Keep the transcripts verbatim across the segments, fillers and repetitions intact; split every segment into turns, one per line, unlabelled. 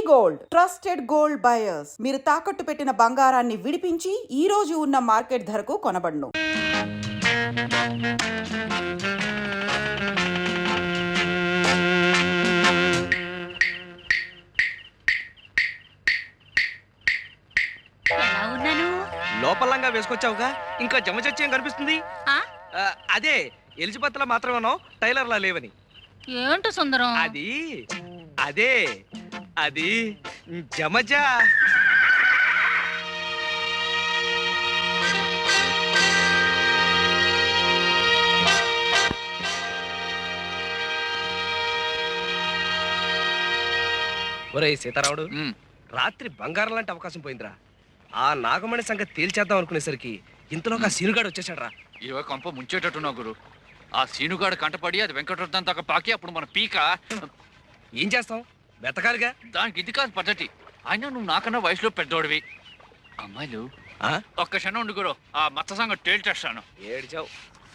Gold trusted gold buyers మీరు తాకట్టు పెట్టిన బంగారాన్ని విడిపించి ఈ రోజు ఉన్న మార్కెట్ ధరకు కొనబడును.
లోపలంగా వేసుకొచ్చావుగా, ఇంకా జమచచ్చేం కనిపిస్తుంది? అదే ఎలిజబెత్ లా మాత్రమేనో టైలర్ లా లేవని.
ఏంటో సుందరం
అది అదే అది జమజ. ఒరేయ్ సీతారాముడు, రాత్రి బంగారం లాంటి అవకాశం పోయిందిరా. ఆ నాగమణి సంగతి తేల్చేద్దాం అనుకునేసరికి ఇంతలోకి ఆ సీనుగాడు వచ్చేసాడు రా.
ఇవ కొంప ముంచేటట్టున్నా గురు. ఆ సీనుగాడు కంటపడి అది వెంకటరత్నం దాకా పాకి అప్పుడు మన పీక
ఏం చేస్తాం, వెతకాలిగా.
దానికి ఇది కాదు పద్ధతి. అయినా నువ్వు నాకన్నా వయసులో పెద్దోడివి. అమ్మాయిలు ఒక్క క్షణం ఉండు గురు, ఆ మత్త సంగతి తేల్చేస్తాను.
ఏడ్చావు.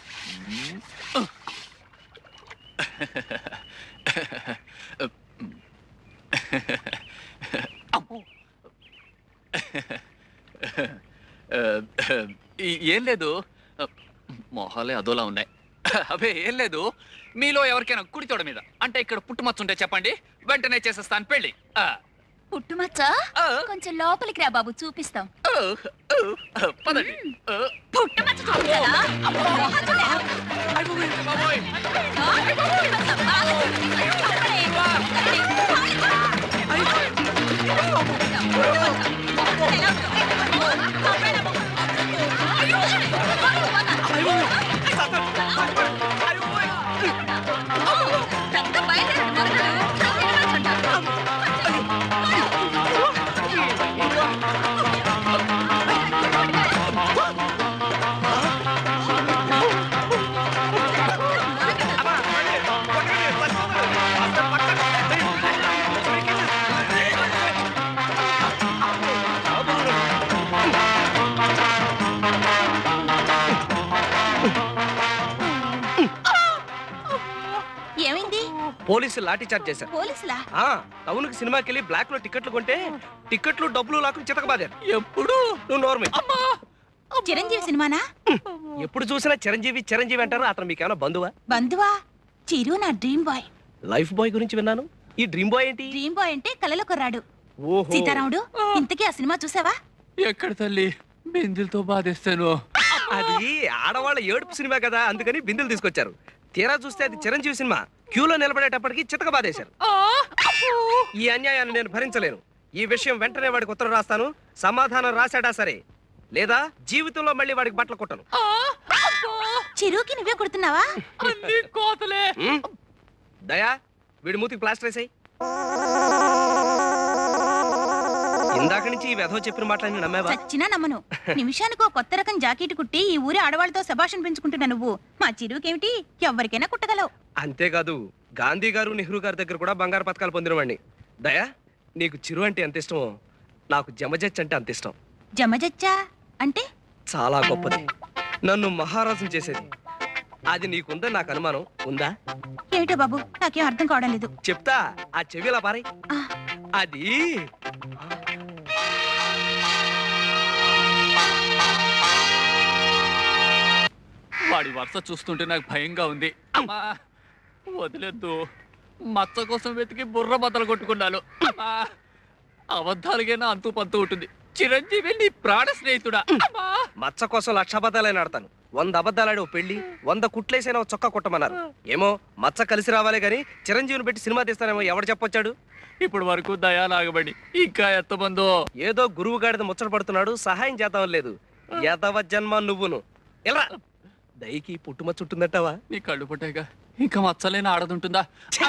ఏం లేదు, మొహాలే అదోలా ఉన్నాయి. అవే ఏం లేదు, మీలో ఎవరికైనా కుడితోడ మీద అంటే ఇక్కడ పుట్టుమచ్చ ఉంటే చెప్పండి, వెంటనే చేసేస్తాను పెళ్ళి.
పుట్టుమచ్చ కొంచెం లోపలికి రా బాబు, చూపిస్తాం.
పదండి.
పుట్టుమచ్చ చూపించాలా?
పోలీసులు లాఠీ చార్జ్ చేశారు.
పోలీసులా?
టౌన్ కి సినిమాకి వెళ్ళి బ్లాక్ లో టికెట్లు కొంటే టికెట్లు డబ్బులు లాక్కుని చితకబాదారు. ఎప్పుడు నువ్వు నోర్మే.
చిరంజీవి సినిమానా?
ఎప్పుడు చూసినా చిరంజీవి చిరంజీవి అంటారు. అతను మీకేమైనా బంధువా?
బంధువా? చిరు నా డ్రీమ్ బాయ్.
లైఫ్ బాయ్ గురించి విన్నాను. ఈ డ్రీమ్ బాయ్ ఏంటి?
డ్రీమ్ బాయ్ అంటే కలలో కొర్రాడు.
ఓహో.
సీతారాముడు, ఇంతకీ ఆ సినిమా చూసావా?
ఎక్కడ తల్లి, బిందులతో బాధేస్తాను.
అది ఆడవాళ్ళ ఏడుపు సినిమా కదా, అందుకని బిందులు తీసుకొచ్చారు. తీరా చూస్తే అది చిరంజీవి సినిమా. క్యూలో నిలబడేటప్పటికి చితక బాధేశారు. ఈ అన్యాయాన్ని నేను భరించలేను. ఈ విషయం వెంటనే వాడికి ఉత్తరం రాస్తాను. సమాధానం రాశాడా సరే, లేదా జీవితంలో మళ్ళీ వాడికి బట్టలు కొట్టను.
చిరుకి నువ్వే కొడుతున్నావా?
దయా, వీడి మూతికి ప్లాస్టర్ వేసాయి. ఇందాక నుంచి ఈ వెధవ చెప్పిన మాటలన్నీ నమ్మావా?
చచ్చినా నమ్మను. నిమిషానికి ఒక కొత్త రకం జాకెట్ కుట్టి ఈ ఊరి ఆడవాళ్ళతో శభాషణ పెంచుకుంటున్నా నువ్వు. మా చిరుకేమిటి, ఎవరికైనా కుట్టగలవు.
అంతేకాదు, గాంధీ గారు నెహ్రూ గారి దగ్గర కూడా బంగారు పథకాలు పొందినవాడిని. దయా, నీకు చిరు అంటే ఎంత ఇష్టమో నాకు జమజచ్చ అంటే అంత ఇష్టం.
జమజచ్చా అంటే?
చాలా గొప్పది, నన్ను మహారాజుని చేసేది. అది నీకుందని నాకు అనుమానం. ఉందా?
ఏమిటో బాబు, నాకేం అర్థం కావడం లేదు.
చెప్తా, ఆ చెవిలా పారై. అది
వాడి వరుస చూస్తుంటే నాకు భయంగా ఉంది. అమ్మా వదిలేద్దు, మచ్చ కోసం వెతికి బుర్ర బద్దలు కొట్టుకున్నాను. అబద్ధాలుగైనా అంతు పంతు ఉంటుంది. చిరంజీవి నీ ప్రాణ స్నేహితుడా.
మచ్చ కోసం లక్ష అబద్ధాలైనా ఆడతాను. వంద అబద్ధాలాడి ఓ పెళ్లి, వంద కుట్లేసైనా చొక్కా కుట్టమన్నారు. ఏమో మచ్చ కలిసి రావాలే గాని చిరంజీవిని పెట్టి సినిమా తీస్తానేమో ఎవడు చెప్పొచ్చాడు?
ఇప్పుడు వరకు దయా లాగబడి ఇంకా ఎత్తబందో.
ఏదో గురువు గాడిద ముచ్చట పడుతున్నాడు, సహాయం చేద్దాం లేదు. యదవ జన్మ నువ్వును. ఎలా దయకి పుట్టుమచ్చ ఉంటుందంటావా?
నీ కళ్ళు పుట్టాక ఇంకా మచ్చలేని ఆడదుంటుందా?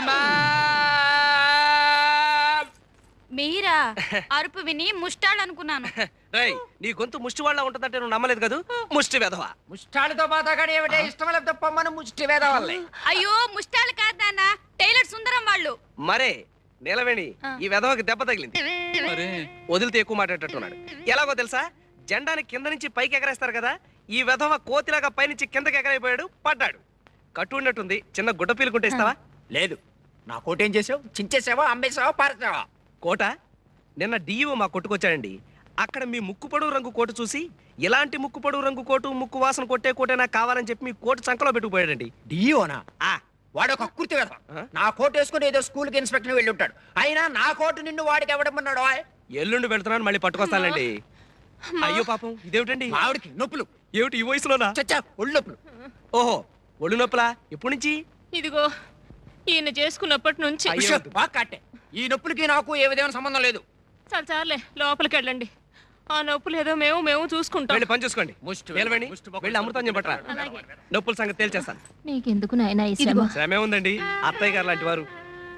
మీరా? అరుపు విని ముష్టాలనుకున్నాను.
రేయ్, నీ గొంతు ముష్టి వాళ్ళ ఉంటుందంటే నువ్వు నమ్మలేదు కదా. ముష్టి వేధవా.
ముష్టాలతో మాతాగాడు ఏమిటే? ఇష్టం లేకపోతే పొమ్మను ముష్టి వేధవాళ్ళే.
అయ్యో ముష్టాలు కాదు నాన్న, టైలర్ సుందరం వాళ్ళు.
మరే నీలవేణి, ఈ వెధవకి దెబ్బ తగిలింది. వదిలితే ఎక్కువ మాట్లాడేటట్టున్నాడు. ఎలాగో తెలుసా, జెండాని కింద నుంచి పైకి ఎగరేస్తారు కదా, ఈ వెధవ కోతిలాగా పైనుంచి కిందకి ఎగరైపోయాడు, పడ్డాడు. కట్టు ఉన్నట్టుంది, చిన్న గుడ్డ పీలుకుంటే ఇస్తావా?
లేదు. నా కోట ఏం చేసావు? చించేసావా, అమ్మేసావా, పారేసావా?
కోట నిన్న డిఈఓ మా కొట్టుకొచ్చాడండి. అక్కడ మీ ముక్కు పొడుగు రంగు కోటు చూసి ఇలాంటి ముక్కు పొడుగు రంగు కోటు ముక్కు వాసన కొట్టే కోటే నాకు కావాలని చెప్పి మీ కోటు సంకలో పెట్టుకుపోయాడండి.
డియోనా
ఆ
వాడు ఒక కుర్తి వేద
ఆ?
నా కోట్ వేసుకుని ఏదో స్కూల్ కి ఇన్స్పెక్టర్ వెళ్ళి ఉంటాడు. అయినా నా కోటు నిన్ను వాడికి ఎవడమన్నాడు?
ఎల్లుండి వెళ్తున్నాను, మళ్ళీ పట్టుకొస్తానండి. అయ్యో పాపం, ఇదేమిటండి?
ఆవిడికి నొప్పులు.
ఏమిటి ఈ వయసులోనా?
చచ్చా ఒళ్ళు నొప్పులు.
ఓహో, ఒళ్ళు నొప్పులా? ఎప్పటి నుంచి?
ఇదిగో ఈయన చేసుకున్నప్పటి నుంచి.
అయ్యో.
ఉష్, బాగా కట్టే. ఈ నొప్పులకి నాకు ఏ విధమైన సంబంధం లేదు.
చాలు చాలే, లోపలికి వెళ్ళండి. ఆ నొప్పులు ఏదో మేము మేము చూసుకుంటాం.
వెళ్ళి పని చూసుకోండి.
ముష్టి
నిలవండి.
ముష్టి బొక్కలు
వెళ్ళి అమృతం పట్టరా. నొప్పుల సంగతి తేల్చేస్తాను.
నీకెందుకు నాయనా ఈ శ్రమ?
శ్రమే ఉందండి, అత్తయ్య గారు లాంటి వారు.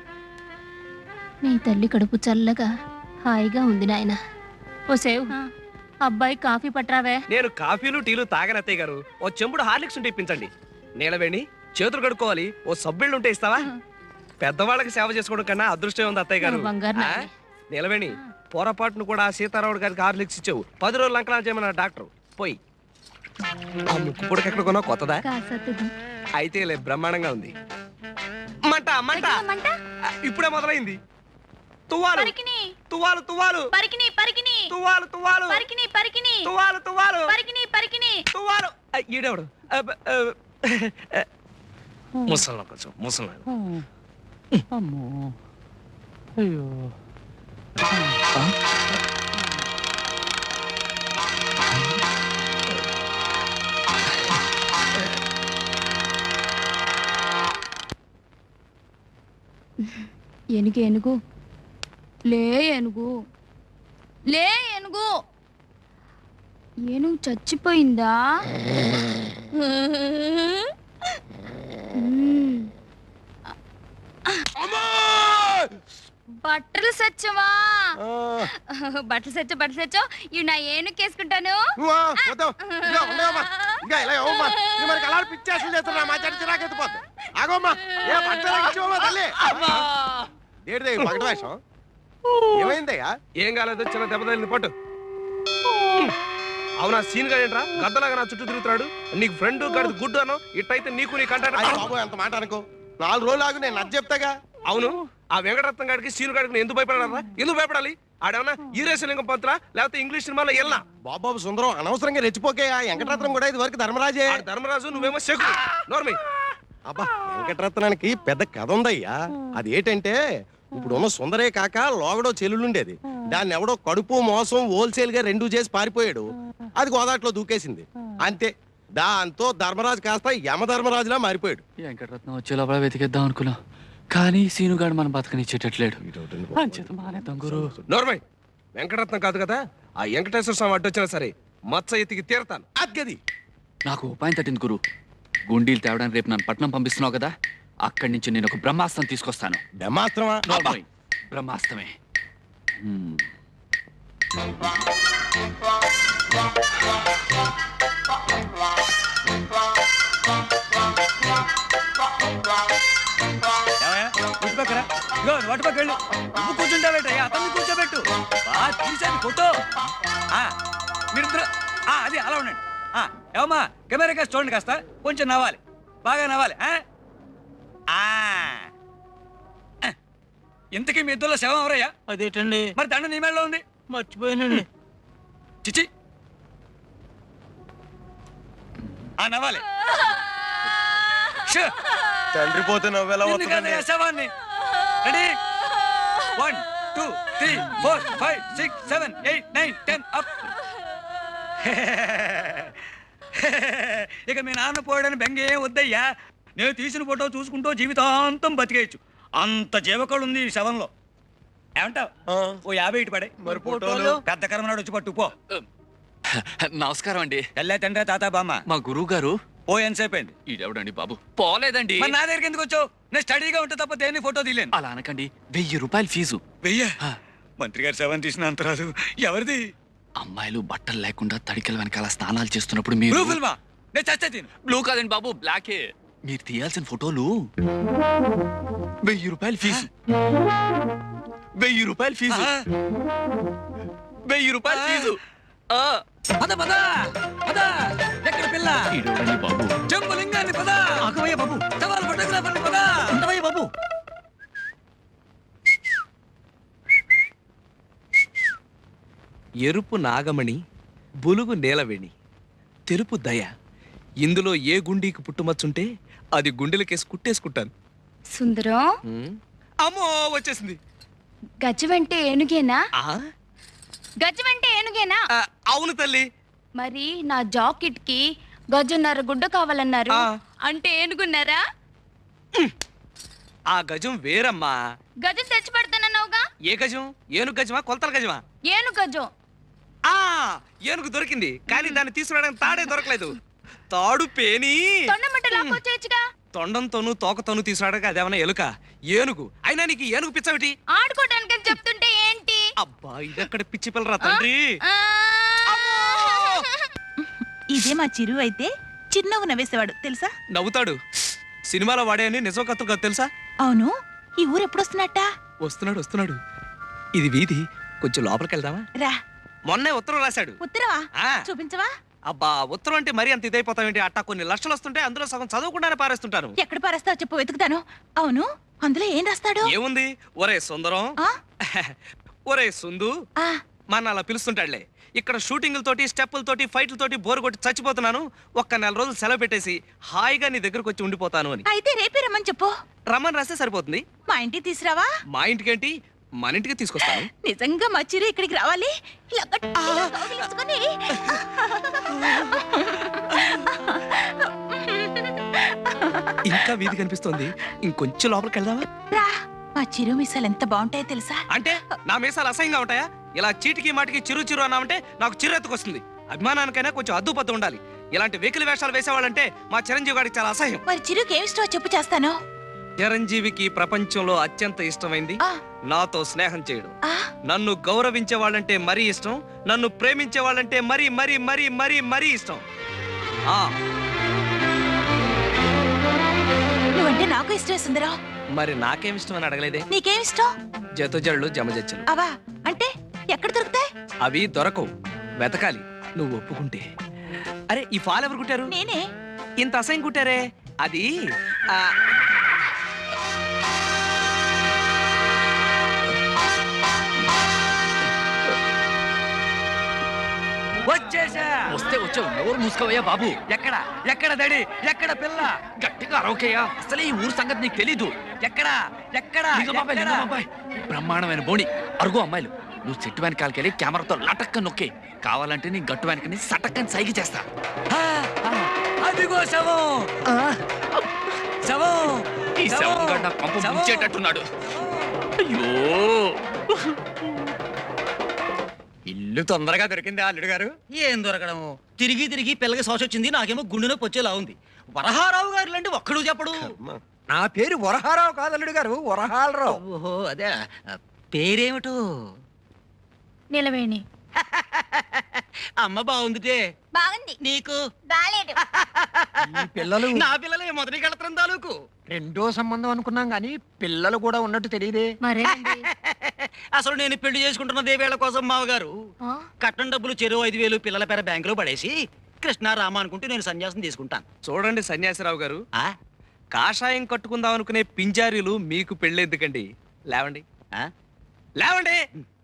నీ తల్లి కడుపు చల్లగా హాయిగా ఉంది నాయనా. ఓ సేవ్, అబ్బాయి కాఫీ పట్రావే.
నేను కాఫీలు టీలు తాగని అత్తయ్య గారు. ఓ చెంబుడు హార్లిక్స్ ఉంటే ఇప్పించండి. నీలవేణి, చేతులు కడుక్కోవాలి. ఓ సబ్బిళ్ళు ఉంటే ఇస్తావా? పెద్దవాళ్ళకి సేవ చేసుకోవడం కన్నా అదృష్టం ఉంది అత్తయ్య గారు.
ఓ బంగారు
ఆ?
నాయనే.
నీలవేణి, పొరపాటును కూడా సీతారాముడు గారికి హార్లిక్స్ ఇచ్చావు. పది రోజులు అంకలా చేయమన్న డాక్టర్. పోయి ఆ ముక్కు పొడికి ఎక్కడ కొన్నా కొత్తదా?
కాసత్తుది.
అయితే లే, బ్రహ్మాండంగా ఉంది. మంట మంట ఆ, ఇప్పుడే మొదలైంది. తువ్వాలు
పరికిని
తువ్వాలు తువ్వాలు
పరికిని పరికిని
తువ్వాలు తువ్వాలు
పరికిని పరికిని
తువ్వాలు తువ్వాలు
పరికిని పరికిని
తువ్వాలు. ఆ, ఈడెవడు? అబ్బ, ఆ, ముసలి కొంచెం ముసలి.
అమ్మో అయ్యో
ఏనుగు ఏనుగు లే ఏనుగు లే ఏనుగు. ఏనుగు చచ్చిపోయిందా? మ్మ్. బట్టలు సచ్చవా? బట్టలు సచ్చో బట్టలు సచ్చో ఇవి నా ఏనుగు వేసుకుంటాను.
ఏమైందయ్యా?
ఏం కాలేదు, చిన్న దెబ్బ తగిలింది. పట్టు. అవునా సీన్ గా ఏంట్రా గద్దలాగా నా చుట్టూ తిరుగుతాడు? నీకు ఫ్రెండ్ గడిది గుడ్డు అను. ఇట్టయితే నీకు నీ కంట.
బాబు ఎంత మాట అనుకో. నాలుగు రోజులు ఆగు, నేను నచ్చ చెప్తాగా.
అవును, ఆ వెంకటరత్నం గారికి సీను గారికి ఎందుకు భయపడారా? ఎందుకు భయపడాలి? ఆడేమన్నా ఈరేశలింగం పంతులా లేకపోతే ఇంగ్లీష్ సినిమాలో వెళ్ళా?
బాబాబు సుందరం అనవసరంగా రెచ్చిపోకే. ఆ వెంకటరత్నం కూడా ఇది వరకు ధర్మరాజే.
ఆడు ధర్మరాజు, నువ్వేమో శకుడు. నోర్మి.
అబ్బా, వెంకటరత్నానికి పెద్ద కథ ఉందయ్యా. అది ఏంటంటే ఇప్పుడు ఉన్న సుందరే కాక లోగడో చెల్లుండేది. దాన్ని ఎవడో కడుపు మోసం హోల్సేల్ గా రెండు చేసి పారిపోయాడు. అది గోదాట్లో దూకేసింది. అంతే, దాంతో ధర్మరాజు కాస్త యమధర్మరాజులా మారిపోయాడు.
వెంకటరత్నం వచ్చే లోపల వెతికేద్దాం అనుకున్నా, కానీ సీనుగాడు మన బతకనిచ్చేటట్లేడు. అంచేత మానేద్దాం గురు.
నోర్మై, వెంకటరత్నం కాదు కదా, ఆ వెంకటేశ్వర స్వామి అడ్డొచ్చినా సరే మచ్చ ఎత్తికి తీరతాను.
అద్గది
నాకు ఉపాయం తట్టింది గురు. గుండీలు తేవడానికి రేపు నన్ను పట్నం పంపిస్తున్నావు కదా, అక్కడి నుంచి నేను ఒక బ్రహ్మాస్త్రం తీసుకొస్తాను.
బ్రహ్మాస్త్రమా?
నోర్మోయ్, బ్రహ్మాస్త్రమే. హ్మ్.
వాటి పక్క వెళ్ళు. నువ్వు కూర్చుంటావేటయ్యా, అతన్ని కూర్చోబెట్టు. బాగా తీసేది ఫోటో. మీరిద్దరు అది అలా ఉండండి. ఏమమ్మా, కెమెరా కాస్త చూడండి, కాస్త కొంచెం నవ్వాలి, బాగా నవ్వాలి. ఇంతకీ మీ ఇద్దరులో శవం ఎవరయ్యా?
అదేటండి,
మరి దండ నీ మేడలో ఉంది.
మర్చిపోయానండి.
చిచి, ఆ నవ్వాలి. షూ.
తండ్రి పోతే నవ్వెలా
నిన్ను కాదయ్యా, శవాన్ని. Ready? One two three four five six seven eight nine ten up. ఇక మీ నాన్న పోయాడని బెంగే వద్దయ్యా. నేను తీసిన ఫోటో చూసుకుంటూ జీవితాంతం బతికేయచ్చు. అంత జీవకళ ఉంది ఈ శవంలో. ఏమంటావు? ఓ యాభై ఇటు పడే.
మరి ఫోటోలు?
పెద్ద కర్మనాడు వచ్చి పట్టు పో.
నమస్కారం అండి.
తెల్లే తండ్రి తాత బామ్మ.
మా గురువు గారు
ఓ ఎంతసేపు అయింది?
ఈడెవడండి బాబు? పోలేదండి.
మరి నా దగ్గరికి ఎందుకు వచ్చావు? నేను స్టడీగా ఉంటే తప్ప దేన్ని ఫోటో తీయలేను.
అలా అనకండి, వెయ్యి రూపాయలు ఫీజు.
వెయ్య?
ఆ.
మంత్రి గారు శవం తీసిన అంత రాదు. ఎవరిది?
అమ్మాయిలు బట్టలు లేకుండా తడికల వెనకాల స్నానాలు చేస్తున్నప్పుడు మీరు
బ్లూ ఫిల్మా? నేను చచ్చే తిను.
బ్లూ కాదండి బాబు, బ్లాకే. మీరు తీయాల్సిన ఫోటోలు వెయ్యి రూపాయలు ఫీజు. వెయ్యి రూపాయలు ఫీజు. వెయ్యి రూపాయలు ఫీజు. ఆ.
పద పద పద. ఎక్కడ పిల్ల?
ఈడెవడండి బాబు?
జంబులింగాన్ని పద.
ఆగవయ్య బాబు,
సవాల్ ఫోటోగ్రాఫర్ని పద.
ఉండవయ్య బాబు.
ఎరుపు నాగమణి, బులుగు నేలవేణి, తెలుపు దయ. ఇందులో ఏ గుండీకి పుట్టుమచ్చుంటే అది గుండెలకేసి కుట్టేసుకుంటాను.
సుందరం,
ఉమ్. అమ్మో వచ్చేసింది.
గజమంటే ఏనుగేనా?
ఆ?
గజమంటే ఏనుగేనా?
ఆ, అవును తల్లి.
మరి నా జాకెట్ కి గజన్నర గుడ్డ కావాలన్నారు.
ఆ.
అంటే ఏనుగున్నారా?
ఆ గజం వేరమ్మా.
గజం తెచ్చి పెడతానన్నావుగా.
ఏ గజం? ఏనుగు గజమా, కొలతల గజమా?
ఏనుగు గజం.
ఆ ఏనుగు దొరికింది, కానీ దాన్ని తీసుకురావడానికి తాడే దొరకలేదు. తాడు పేని
తొండమట్ట లాక్కొచ్చేయచ్చుగా.
తొండంతోనూ తోకతోనూ తీసుకురావడానికి అదేమన్నా ఎలుక? ఏనుగు అయినా నీకు ఈ ఏనుగు పిచ్చవిటి?
ఆడుకోవడానికి చెప్తుంటే ఏంటి?
అబ్బా ఇదక్కడ పిచ్చి పిల్లరా తండ్రి.
ఆ.
ఇదే మా చిరు అయితే చిరునవ్వు నవ్వేసేవాడు తెలుసా?
నవ్వుతాడు. సినిమాలో వాడే అని నిజం కథలు కాదు తెలుసా?
అవును, ఈ ఊరు ఎప్పుడు వస్తున్నట్ట?
వస్తున్నాడు వస్తున్నాడు. ఇది వీధి, కొంచెం లోపలికి వెళ్దామా?
రా.
మొన్నే ఉత్తరం రాశాడు.
ఉత్తరవా?
ఆ.
చూపించవా?
అబ్బా ఉత్తరం అంటే మరీ అంత ఇదైపోతావేంటి? అట్టా కొన్ని లక్షలు వస్తుంటే అందులో సగం చదవకుండానే పారేస్తుంటాను.
ఎక్కడ పారేస్తావు చెప్పు, వెతుకుతాను. అవును, అందులో ఏం రాస్తాడు?
ఏముంది? ఒరే సుందరం,
ఆ?
ఒరే సుందు,
ఆ,
మన అలా పిలుస్తుంటాడులే. ఇక్కడ షూటింగ్లతోటి స్టెప్పులతోటి ఫైట్లతోటి బోరు కొట్టి చచ్చిపోతున్నాను. ఒక్క నెల రోజులు సెలవు పెట్టేసి హాయిగా నీ దగ్గరకు వచ్చి ఉండిపోతాను అని.
అయితే రేపే రమ్మని చెప్పు.
రమ్మని రాస్తే సరిపోతుంది.
మా ఇంటికి తీసురావా?
మా ఇంటికేంటి, మన ఇంటికి తీసుకొస్తాను.
నిజంగా మా చిరు ఇక్కడికి రావాలి. ఇలా గట్టిగా కౌగిలించుకొని.
ఇంకా వీధి కనిపిస్తోంది, ఇంకొంచెం లోపలికి వెళ్దామా?
రా. మా చిరు మిసాలు ఎంత బాగుంటాయో తెలుసా?
అంటే నా మీసాలు అసహ్యంగా ఉంటాయా? ఇలా చీటికి మాటికి చిరు చిరు అన్నామంటే నాకు చిరెత్తుకొస్తుంది. అభిమానానికైనా కొంచెం అద్దుపత్తు ఉండాలి. ఇలాంటి వెకిలి వేషాలు వేసేవాళ్ళంటే మా చిరంజీవి గారికి చాలా అసహ్యం.
మరి చిరుకి ఏమి ఇష్టమో చెప్పు, చేస్తాను.
చిరంజీవికి ప్రపంచంలో అత్యంత ఇష్టమైంది
ఆ.
నాతో స్నేహం చేయడం.
ఆ,
నన్ను గౌరవించే వాళ్ళంటే మరీ ఇష్టం, నన్ను ప్రేమించే వాళ్ళంటే మరీ మరీ మరీ మరీ మరీ ఇష్టం. ఆ
నువ్వంటే నాకు ఇష్టమే సుందరం.
మరి నాకేం ఇష్టం అని అడగలేదే?
నీకేం ఇష్టం?
జతుజళ్ళు జమజచ్చలు.
అవా అంటే ఎక్కడ దొరుకుతాయి?
అవి దొరకవు, వెతకాలి. నువ్వు ఒప్పుకుంటే. అరే ఈ ఫాల్ ఎవరు కుట్టారు?
నేనే.
ఇంత అసహ్యం కుట్టారే? అది ఆ,
వచ్చేసా.
వస్తే వచ్చావు, నోరు మూసుకోవయ్యా బాబు.
ఎక్కడ ఎక్కడ దడి, ఎక్కడ పిల్ల?
గట్టిగా అరవకయ్యా, అసలే ఈ ఊరు సంగతి నీకు తెలీదు.
ఎక్కడ ఎక్కడ
లింగబాబాయ్,
ఎక్కడ?
లింగబాబాయ్, బ్రహ్మాండమైన బోణి. అరుగు అమ్మాయిలు, నువ్వు చెట్టు వెనకాలకెళ్ళి కెమెరాతో లటక్క నొక్కే. కావాలంటే నీ గట్టు వెనకని సటక్కని సైకి చేస్తా.
ఆ, ఆ, అదిగో శవం. శవం
ఈ శవం గడ్డ పంపు
శవం.
ముంచేటట్టున్నాడు. అయ్యో,
ఇల్లు తొందరగా దొరికింది అల్లుడు గారు.
ఏం దొరకడము, తిరిగి తిరిగి పిల్లకి శోష వచ్చింది. నాకేమో గుండె నొప్పి వచ్చేలా ఉంది. వరహారావు గారు లాంటి ఒక్కడు చెప్పడు.
నా పేరు వరహారావు కాదు అల్లుడు గారు, వరహాలరావు.
ఓహో అదే, పేరేమిటో?
నిలవేణి.
అమ్మ బాగుందిటే.
బాగుంది.
నీకు?
బాలేదు.
ఈ పిల్లలు
నా పిల్లలే మొదటి కడతరం తాలూకు.
రెండో సంబంధం అనుకున్నాం గానీ పిల్లలు కూడా ఉన్నట్టు తెలియదే.
మరేనండి.
అసలు నేను పెళ్లి చేసుకుంటున్న దేవేళ్ల కోసం మావగారు
ఆ?
కట్నం డబ్బులు చెరువు ఐదు వేలు పిల్లల పేర బ్యాంకులో పడేసి కృష్ణ రామ అనుకుంటూ నేను సన్యాసం తీసుకుంటాను.
చూడండి సన్యాసిరావు గారు,
ఆ?
కాషాయం కట్టుకుందాం అనుకునే పింజారీలు మీకు పెళ్ళెందుకండి? లేవండి,
ఆ?
లేవండి.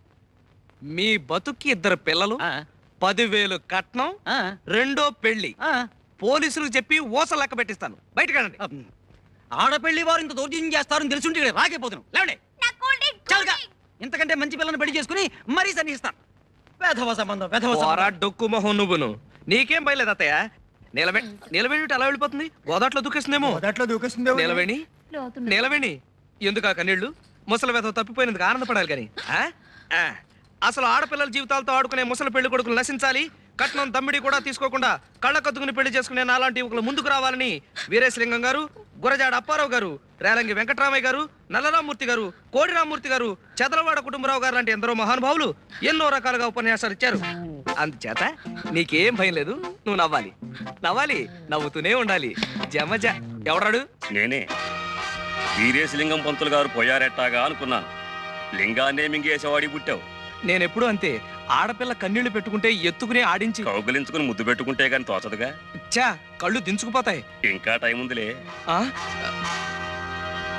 మీ బతుక్కి ఇద్దరు పిల్లలు,
ఆ?
పదివేలు కట్నం,
ఆ?
రెండో పెళ్లి.
ఆ?
పోలీసులకు చెప్పి ఓస లెక్క పెట్టిస్తాను. బయటకెళ్ళండి.
అమ్. ఆడపెళ్లి వారు ఇంత దౌర్జన్యం చేస్తారని తెలుసుంటే ఇక్కడ రాకపోతున్నాం. లేవండి. చాలుగా. ఇంతకంటే మంచి పిల్లని పెళ్లి చేసుకుని మరీ సన్నిస్తాను. వేధవ సంబంధం, వేధవ
పోరా
సంబంధం.
డొక్కు మొహం నువ్వును. నీకేం భయలేదు అత్తయ్య. నిలబె నిలబెట్టి అలా వెళ్ళిపోతుంది. గోదాట్లో దూకేస్తుందేమో.
మొదట్లో దూకేస్తుందే.
నిలవేణి,
లోతున్నా.
నిలవేణి, ఎందుకు ఆ కన్నీళ్ళు? ముసలి వేధ తప్పిపోయినందుకు ఆనందపడాలి కానీ ఆ? ఆ. అసలు ఆడపిల్లల జీవితాలతో ఆడుకునే ముసలి పెళ్లి కొడుకులు నశించాలి. కట్నం దమ్మిడి కూడా తీసుకోకుండా కళ్ళ కత్తుకుని పెళ్లి చేసుకునే నాలాంటి యువకులు ముందుకు రావాలని వీరేశలింగం గారు, గురజాడ అప్పారావు గారు, రేలంగి వెంకటరామయ్య గారు, నల్లరామూర్తి గారు, కోడి రామూర్తి గారు, చదలవాడ కుటుంబరావు గారు లాంటి ఎందరో మహానుభావులు ఎన్నో రకాలుగా ఉపన్యాసాలు ఇచ్చారు. అందుచేత నీకేం భయం లేదు, నువ్వు నవ్వాలి. నవ్వాలి, నవ్వుతూనే ఉండాలి. జమజ. ఎవడాడు?
నేనే వీరేశలింగం పంతులు గారు పోయారెట్టాగా అనుకున్నాను. లింగాన్నే మింగేసేవాడి పుట్టావు.
నేనెప్పుడు అంతే. ఆడపిల్ల కన్నీళ్లు పెట్టుకుంటే ఎత్తుకునే ఆడించి
కౌగులించుకుని ముద్దు పెట్టుకుంటే గాని తోచదుగా.
చా కళ్ళు దించుకుపోతాయి.
ఇంకా టైం ఉందిలే.
ఆ?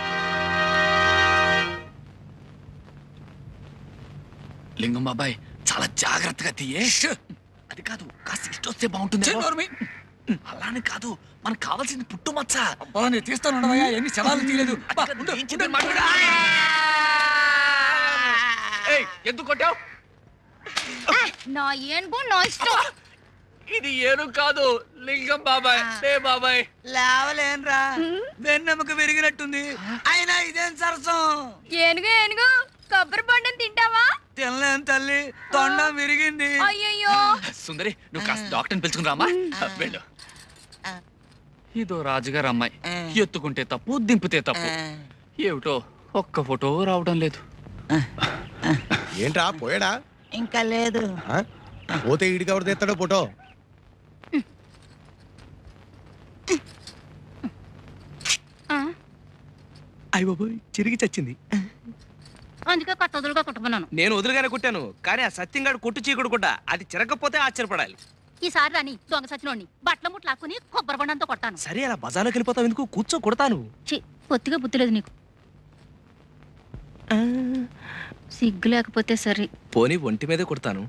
లింగం బాబాయ్, చాలా చాలా జాగ్రత్తగా తీయే. అది కాదు, కాస్త ఇష్టం వస్తే బాగుంటుంది. అలానే కాదు, మనకు కావాల్సింది పుట్టుమచ్చ.
అబ్బా నేను తీస్తాను ఉండవయ్యా, ఎన్ని శవాలు తీయలేదు. అబ్బా, ఉండు,
ఏం చెప్పాను మాట్లాడు. ఏయ్, ఎందుకు కొట్టావు?
నా ఏనుగు నా ఇష్టం.
ఇది ఏను కాదు, లింగం బాబాయ్. లే బాబాయ్.
లేవలేనురా, వెన్నెముక విరిగినట్టుంది. అయినా ఇదేం సరసం?
ఏనుగు ఏనుగు కొబ్బరి బొండం తింటావా?
తినలేను తల్లి, తొండం విరిగింది.
అయ్యయ్యో.
సుందరి, నువ్వు కాస్త డాక్టర్ని పిలుచుకుని రామా. వెళ్ళు. ఇదో రాజుగారు అమ్మాయి, ఎత్తుకుంటే తప్పు, దింపితే తప్పు. ఏమిటో ఒక్క ఫోటో రావడం లేదు.
ఏంట్రా పోయాడా?
ఇంకా లేదు.
ఆ? పోతే ఈడికి ఎవరు తెస్తాడో ఫోటో?
అయ్య బాబోయ్, చిరిగి చచ్చింది.
అందుకే కొత్త వదులుగా కుట్టుకున్నాను.
నేను వదులుగానే కుట్టాను, కానీ ఆ సత్యంగాడు కొట్టు చీకుడు కూడా అది చిరగకపోతే ఆశ్చర్యపడాలి.
ఈసారి రాని దొంగ సచ్చినోడిని బట్టల ముట్లు లాక్కుని కొబ్బరి బొండంతో కొట్టాను.
సరే, అలా బజార్లోకి వెళ్ళిపోతావు ఎందుకు? కూర్చో, కొడతాను.
చి పొత్తిగా బుద్ధి లేదు నీకు. సిగ్గు లేకపోతే సరే.
పోనీ ఒంటి మీదే కొడతాను.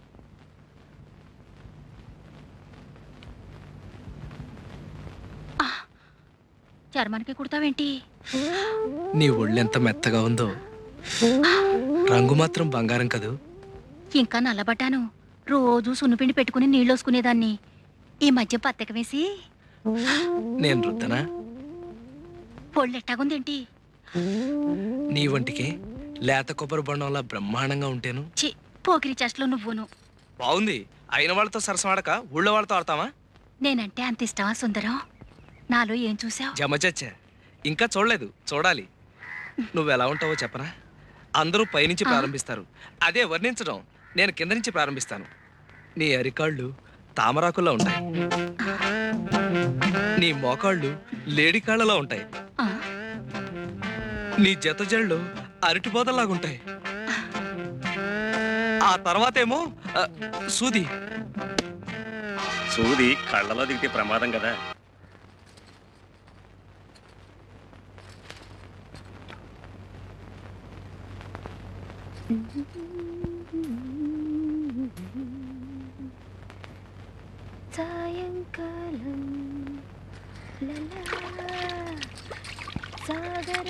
చర్మానికి కుడతావేంటి?
నీ ఒళ్ళెంత మెత్తగా ఉందో, రంగు మాత్రం బంగారం కదూ.
ఇంకా నల్లబడ్డాను. రోజు సున్నుపిండి పెట్టుకుని నీళ్ళు వసుకునేదాన్ని. ఈ మధ్య పత్తెక వేసి
నేను రుద్దనా?
పొళ్ళెట్టాగుందేంటి?
నీ ఒంటికే లేత కొబ్బరి బొండంలా బ్రహ్మాండంగా ఉంటేను.
చి పోకిరి చెస్ట్లో నువ్వును.
బాగుంది. అయిన వాళ్ళతో సరసం ఆడక ఊళ్ళో వాళ్ళతో ఆడతావా?
నేనంటే అంత ఇష్టమా సుందరం? నాలో ఏం చూసావు?
జమచచ్చా, ఇంకా చూడలేదు, చూడాలి. నువ్వెలా ఉంటావో చెప్పనా? అందరూ పైనుంచి ప్రారంభిస్తారు, అదే వర్ణించడం నేను కింద నుంచి ప్రారంభిస్తాను. నీ అరికాళ్ళు తామరాకుల్లో ఉంటాయి, నీ మోకాళ్ళు లేడికాళ్ళలా ఉంటాయి, నీ జత జళ్ళు అరటిపోతలాగుంటాయి. ఆ తర్వాతేమో ఆ, సూది
సూది కళ్ళలో దిగితే ప్రమాదం కదా.
సాయంకాలం సాగర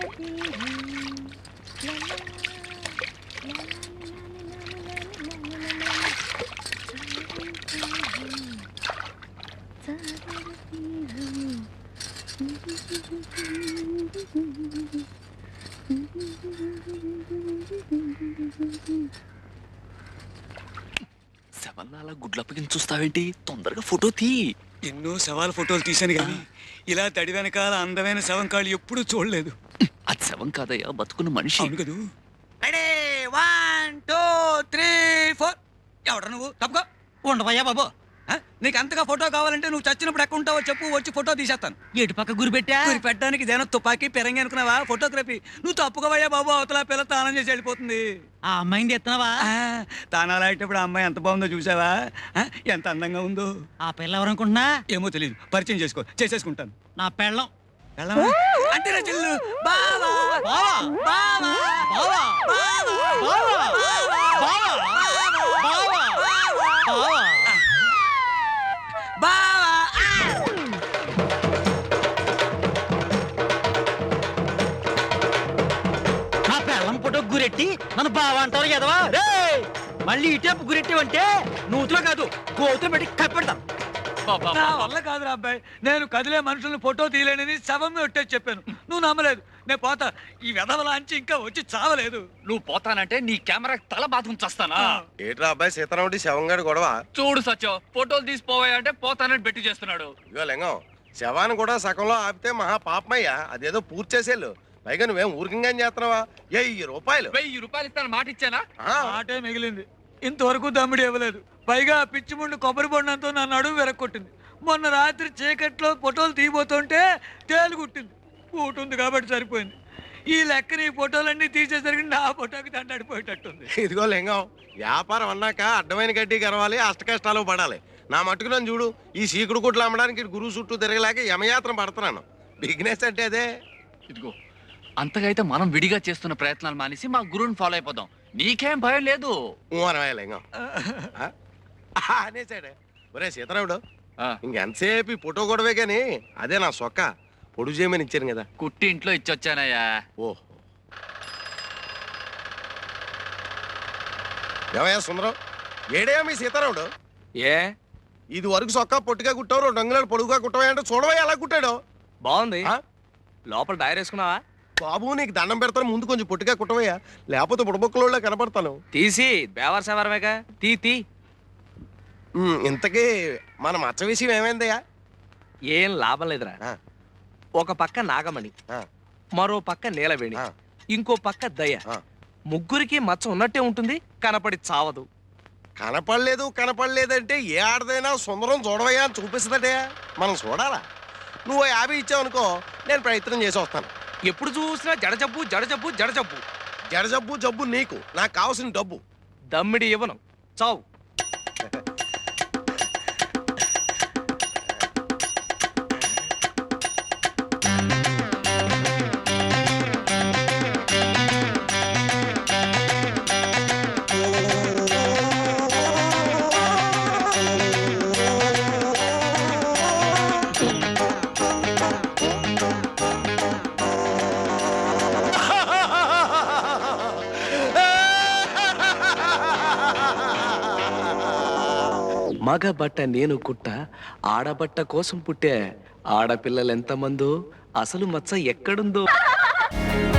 శవల్లా గుడ్లప్పగిన చూస్తావేంటి? తొందరగా ఫోటో తీ.
ఎన్నో శవాల ఫోటోలు తీశాను కానీ ఇలా తడి వెనకాల అందమైన శవం కాళ్ళు ఎప్పుడూ చూడలేదు.
అది శవం కాదయ్యా, బతుకున్న మనిషి.
అవును కదూ. Ready, one two three four. ఎవడ నువ్వు? తప్పుకో. ఉండవయ్యా బాబు. ఆ? నీకు అంతగా ఫోటో కావాలంటే నువ్వు చచ్చినప్పుడు ఎక్కడ ఉంటావో చెప్పు, వచ్చి ఫోటో తీసేస్తాను.
ఎటు పక్క గురి పెట్టా?
గురి పెట్టడానికి ఇదేనా తుపాకీ పెరంగి అనుకున్నావా? ఫోటోగ్రఫీ. నువ్వు తప్పుకోవయ్యా బాబు, అవతల పిల్ల తానం చేసి వెళ్ళిపోతుంది.
ఆ అమ్మాయిని ఎత్తున్నావా?
తానాలు ఆడేటప్పుడు ఆ అమ్మాయి ఎంత బాగుందో చూసావా? ఆ? ఎంత అందంగా ఉందో.
ఆ పిల్ల ఎవరనుకుంటున్నా?
ఏమో తెలియదు, పరిచయం చేసుకో, చేసేసుకుంటాను.
నా పెళ్ళం.
వెళ్ళమా? అంటే నా చెల్లు. బావా
బావా
బావా
బావా బావా బావా బావా బావా
బావా.
నా పెళ్ళం ఫోటో గురెట్టి నన్ను బావా అంటారు కదవా? రేయ్, మళ్ళీ ఇటేపు గురెట్టివంటే నూతులో కాదు గోతులు పెట్టి కప్పెడతాను.
నా వల్ల కాదురా అబ్బాయి, నేను కదిలే మనుషుల్ని ఫోటో తీయలేనని శవం ఒట్టేసి చెప్పాను. నువ్వు నమ్మలేదు. నేను పోతా. ఈ వెధవలాంచి ఇంకా వచ్చి చావలేదు.
నువ్వు పోతానంటే నీ కెమెరా తల బాధ ఉంచేస్తానా?
ఏట్రా అబ్బాయి సీతారాముడి శవంగాడి గొడవ?
చూడు సత్యం, ఫోటోలు తీసిపోవాయి అంటే పోతానని బెట్టి చేస్తున్నాడు.
ఇగో లింగం, శవాన్ని కూడా సగంలో ఆపితే మహా పాపమయ్యా. అదేదో పూర్తి చేసేళ్ళు. పైగా నువ్వేం ఊరికంగా చేస్తున్నావా? వెయ్యి రూపాయలు
వెయ్యి రూపాయలు ఇస్తాను మాట ఇచ్చానా?
ఆటే మిగిలింది. ఇంతవరకు దమ్ముడు ఇవ్వలేదు. పైగా పిచ్చి ముండు కొబ్బరి బొండంతో నా నడుము వెరక్కొట్టింది. మొన్న రాత్రి చీకట్లో ఫోటోలు తీయబోతుంటే తేలు కుట్టింది. కూటుంది కాబట్టి సరిపోయింది. ఈ లెక్కని ఈ ఫోటోలన్నీ తీసేసరికి నా ఫోటోకి దండాడిపోయేటట్టుంది.
ఇదిగో లింగం, వ్యాపారం అన్నాక అడ్డమైన గడ్డి గరవాలి, అష్ట కష్టాలు పడాలి. నా మట్టుకు నన్ను చూడు, ఈ సీకుడు కుట్లు అమ్మడానికి గురువు చుట్టూ తిరగలేక యమయాత్ర పడుతున్నాను. బిజినెస్ అంటే అదే.
ఇదిగో, అంతగా అయితే మనం విడిగా చేస్తున్న ప్రయత్నాలు మానేసి మా గురువుని ఫాలో అయిపోదాం. నీకేం భయం లేదు
ఊ అనవాయలే ఇంకా ఆ? ఆ, అనేసాడే ఒరే సీతారాముడు
ఆ,
ఇంకెంతసేపు ఈ ఫోటో గొడవే కానీ అదే నా సొక్క పొడుగు చేయమని ఇచ్చాను కదా
కుట్టి ఇంట్లో ఇచ్చొచ్చానయ్యా.
ఓహో ఏమయ్యా సుందరం ఏడేయా మీ సీతారాముడు
ఏ
ఇది వరకు సొక్క పొట్టిగా కుట్టావు రెండు అంగుళాలు పొడుగుగా కుట్టవా అంటే చూడవా ఎలా కుట్టాడు
బాగుంది
ఆ?
లోపల డైరీ వేసుకున్నావా?
బాబు నీకు దండం పెడతాను ముందు కొంచెం పొట్టిగా కుట్టవయ్యా లేకపోతే బుడబొక్కలో కనపడతాను
తీసి బేవర్ సవరమేగా తీ తీ
ఉమ్, ఇంతకీ మన మచ్చ విషయం ఏమైందయ్యా
ఏం లాభం లేదురా.
ఆ,
ఒక పక్క నాగమణి,
ఆ,
మరో పక్క నీలవేణి,
ఆ,
ఇంకో పక్క దయ.
ఆ.
ముగ్గురికి మచ్చ ఉన్నట్టే ఉంటుంది, కనపడి చావదు.
కనపడలేదు కనపడలేదంటే ఏ ఆడదైనా సుందరం చూడవయ్యా అని చూపిస్తుందటే మనం చూడాలా నువ్వు యాభై ఇచ్చావు అనుకో నేను ప్రయత్నం చేసి వస్తాను
ఎప్పుడు చూసినా జడజబ్బు జడజబ్బు జడజబ్బు.
జడ జబ్బు జబ్బు నీకు నాకు కావాల్సిన డబ్బు
దమ్మిడి ఇవ్వను, చావు. మగ బట్ట నేను కుట్ట, ఆడబట్ట కోసం పుట్టే. ఆడపిల్లలు ఎంతమందో, అసలు మచ్చ ఎక్కడుందో.